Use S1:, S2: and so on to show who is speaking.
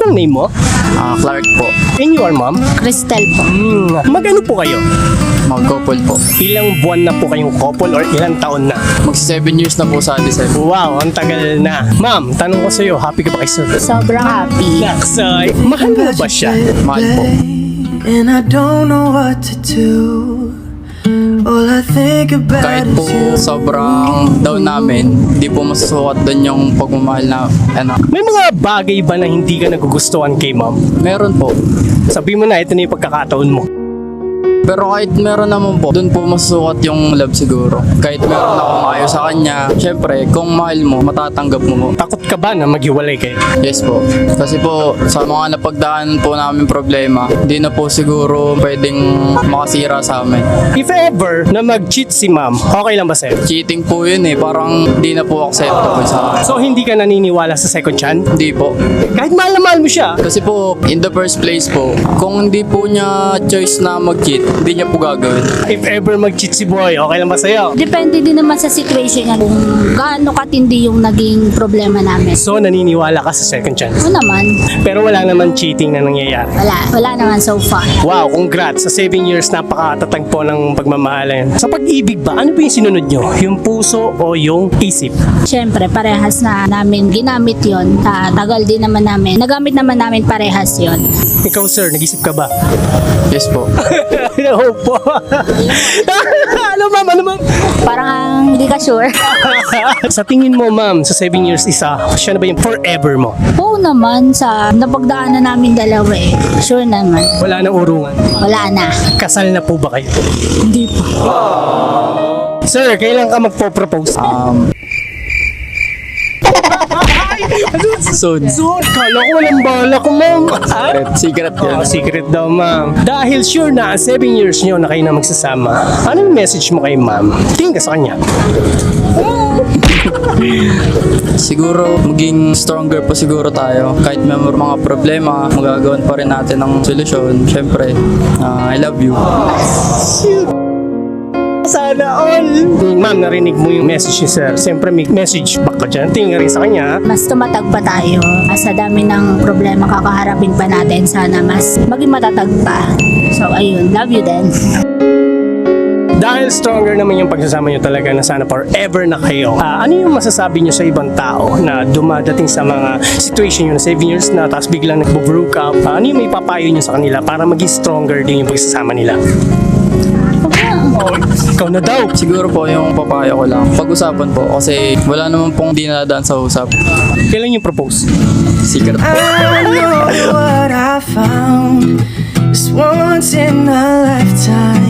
S1: Anong name mo?
S2: Clark po.
S1: And you are, ma'am?
S3: Cristel po.
S1: Mag-ano po kayo?
S2: Mag-couple po.
S1: Ilang buwan na po kayong couple or ilang taon na?
S2: Mag-7 years na po sa December.
S1: Wow, ang tagal na. Ma'am, tanong ko sa'yo, happy ka ba kay sir?
S3: Sobrang happy.
S1: Naksay, mahal mo ba siya?
S2: Mahal po.
S4: And I don't know what to do. All I think about
S2: Kahit po
S4: is you.
S2: sobrang down namin, di po masusukat doon yung pagmamahal na
S1: May mga bagay ba na hindi ka nagugustuhan kay ma'am?
S2: meron po.
S1: Sabi mo na, ito na yung pagkakataon mo.
S2: Pero kahit meron naman po, doon po masusukat yung love siguro. Kahit meron akong ayaw sa kanya, syempre, kung mahal mo, matatanggap mo po.
S1: Takot ka ba na maghiwalay kayo?
S2: Yes po. Kasi po, sa mga napagdaan po namin problema, di na po siguro pwedeng makasira sa amin.
S1: If ever na mag-cheat si ma'am, okay lang ba sa'yo?
S2: Cheating po yun eh, parang di na po acceptable sa akin.
S1: So hindi ka naniniwala sa second chance?
S2: Hindi po.
S1: Kahit mahal na mahal mo siya.
S2: Kasi po, in the first place po, kung hindi po niya choice na mag-cheat, hindi niya po gagawin.
S1: If ever mag-cheat si boy, okay lang ba sa'yo?
S3: Depende din naman sa situation niya kung gaano katindi yung naging problema namin.
S1: So naniniwala ka sa second chance?
S3: Oo naman.
S1: Pero wala naman cheating na nangyayari.
S3: Wala naman so far.
S1: Wow, congrats. Sa 7 years, napakatatag po ng pagmamahalan. Sa pag-ibig ba, ano ba yung sinunod nyo? Yung puso o yung isip?
S3: Siyempre, parehas na namin ginamit yon. Tagal din naman namin. Nagamit naman namin parehas yon.
S1: Ikaw sir, nag-isip ka ba?
S2: Yes po.
S1: Oo po. Ano ma'am, ano ma'am?
S3: Parang hindi ka sure.
S1: Sa tingin mo ma'am, sa 7 years isa, siya na ba yung forever mo?
S3: Oo naman, sa napagdaanan namin dalawa eh. Sure naman.
S1: Wala na urungan.
S3: Wala na.
S1: Kasal na po ba kayo?
S3: Hindi pa.
S1: Sir, kailan ka magpo-propose?
S2: Soon.
S1: Soon, kala ko walang bala ko ma'am.
S2: Secret yan.
S1: Secret daw ma'am. Dahil sure na 7 years nyo na kayo na magsasama, ano yung message mo kay ma'am? Tingin ka sa kanya.
S2: Siguro, maging stronger pa siguro tayo. Kahit may mga problema, magagawan pa rin natin ng solusyon. Siyempre, I love you.
S1: Sana all. Ma'am, narinig mo yung message ni sir. Siyempre may message back ka dyan. Tingin rin sa kanya.
S3: Mas tumatag pa tayo. Sa dami ng problema kakaharapin pa natin, sana mas maging matatag pa. So ayun, love you then.
S1: Dahil stronger naman yung pagsasama nyo talaga na sana forever na kayo. Ano yung masasabi nyo sa ibang tao na dumadating sa mga situation nyo na 7 years na tapos biglang nag-broke up? Ano yung may papayo nyo sa kanila para maging stronger din yung pagsasama nila? Oh, ikaw na daw.
S2: Siguro po yung papayo ko lang. Pag-usapan po kasi wala naman pong di nadaan sa usap.
S1: Kailan yung propose?
S2: Secret po.
S4: I know what I found is once in a lifetime.